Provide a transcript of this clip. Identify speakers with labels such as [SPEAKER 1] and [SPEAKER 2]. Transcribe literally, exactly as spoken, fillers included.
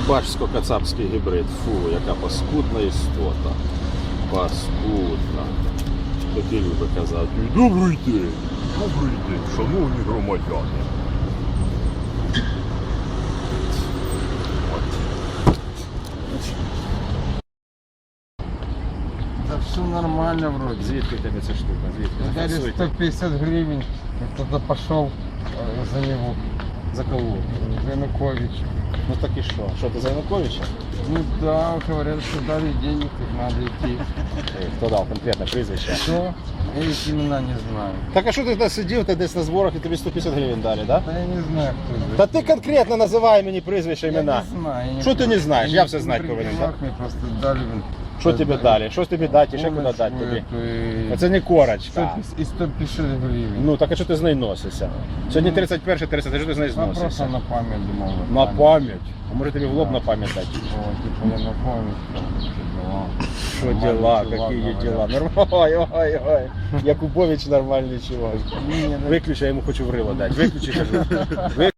[SPEAKER 1] Башсько-кацапський гібрид. Фу, яка паскудна істота. Паскудна. Такі люди казати. Добрий день, добрий день, шановні громадяни.
[SPEAKER 2] Да все нормально вроде.
[SPEAKER 1] Звідки тебе ця штука? Звідки?
[SPEAKER 2] Дали сто пятьдесят гривен, кто-то пошел за него,
[SPEAKER 1] За кого?
[SPEAKER 2] за Януковича.
[SPEAKER 1] Ну так і що? Що, ти за Януковича?
[SPEAKER 2] Ну да, говорят, что дали денег, их надо идти.
[SPEAKER 1] Хто дав конкретне прізвище?
[SPEAKER 2] Что? Я их имена не знаю.
[SPEAKER 1] Так а що ти десь сидів, ти десь на зборах і тобі сто п'ятдесят гривень дали, да?
[SPEAKER 2] Да я не знаю, кто это.
[SPEAKER 1] Та ти конкретно називай мені прізвище,
[SPEAKER 2] Я
[SPEAKER 1] імена.
[SPEAKER 2] не знаю. я
[SPEAKER 1] Що ти не знаєш?
[SPEAKER 2] я
[SPEAKER 1] Я
[SPEAKER 2] не
[SPEAKER 1] все знати повинен, так?
[SPEAKER 2] Мне просто дали. блин,
[SPEAKER 1] Що тобі
[SPEAKER 2] дали
[SPEAKER 1] дали? Що тобі дати? Ще куди
[SPEAKER 2] полочку
[SPEAKER 1] дати тобі?
[SPEAKER 2] эту и
[SPEAKER 1] Це не корочка.
[SPEAKER 2] сто пятьдесят и сто пятьдесят гривен.
[SPEAKER 1] Ну так а що ти з нею носишся? Сьогодні тридцять перше, тридцять, що ти з нею
[SPEAKER 2] Ну, просто
[SPEAKER 1] зносишся?
[SPEAKER 2] на память думал.
[SPEAKER 1] На пам'ять. А може тобі в лоб на пам'ять дати?
[SPEAKER 2] О, типа я на память.
[SPEAKER 1] Що
[SPEAKER 2] Нормальний
[SPEAKER 1] дела,
[SPEAKER 2] чувак,
[SPEAKER 1] які є
[SPEAKER 2] говорят.
[SPEAKER 1] дела? Нормально, ой, ой, ой. Якубович нормальний чувак.
[SPEAKER 2] Не, ну,
[SPEAKER 1] Виключи, я йому хочу в рило дати. Виключи, кажу. Виключи.